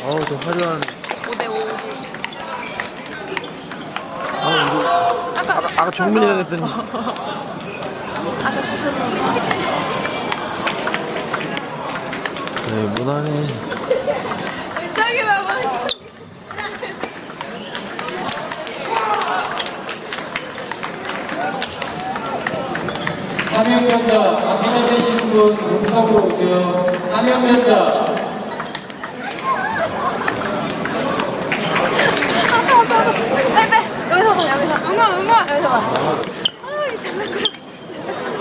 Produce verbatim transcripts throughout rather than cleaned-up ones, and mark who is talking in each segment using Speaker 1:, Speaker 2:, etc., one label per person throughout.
Speaker 1: 어우, 저 화려한.
Speaker 2: 오 대 오.
Speaker 1: 아, 이거. 아까, 아까 정민이라 했더니.
Speaker 2: 아까 치셨는데.
Speaker 1: 네, 무난해.
Speaker 2: 저기 봐봐.
Speaker 3: 사명 면접 확인해 되시는 분 용석으로 오세요. 사명 면접.
Speaker 2: 빼빼. 여기서 봐, 여기서. 응원, 응원. 여기서 봐. 아, 이 장난꾸러기 진짜.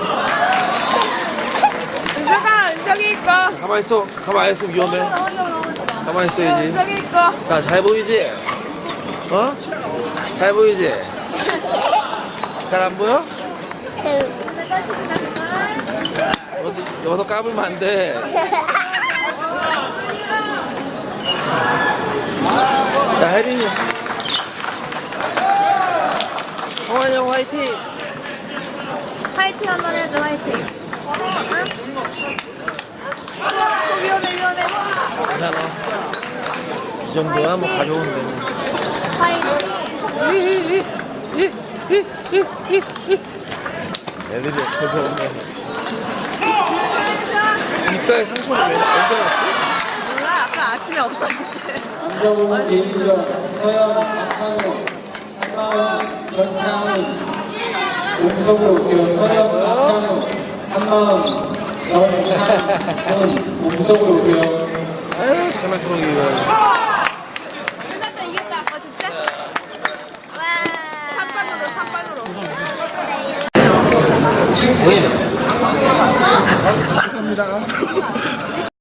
Speaker 2: 은석아, 은석이 있고.
Speaker 1: 가만히 있어. 가만히 있어. 위험해. 가만히 있어야지.
Speaker 2: 은석이 있고.
Speaker 1: 자, 잘 보이지? 어? 잘 보이지? 잘 안 보여? 어디, 여기서 까불면 안 돼. 야, 혜린이. 홍환이 형 화이팅!
Speaker 2: 화이팅 한번 해줘, 화이팅. 응? 어, 위험해, 위험해.
Speaker 1: 괜찮아. 이 정도야 뭐 가벼운데.
Speaker 2: 화이팅.
Speaker 1: 애들이 가벼운데. 입가에 상처를 왜 언제 났지?
Speaker 2: 몰라, 아까 아침에 없었는데.
Speaker 3: 김정우 개인전 서현 박창호 한마음 전창훈 용석으로 오세요. 서현 박창호 한마음 전창훈 용석으로 오세요.
Speaker 1: 아유, 장난꾸러기.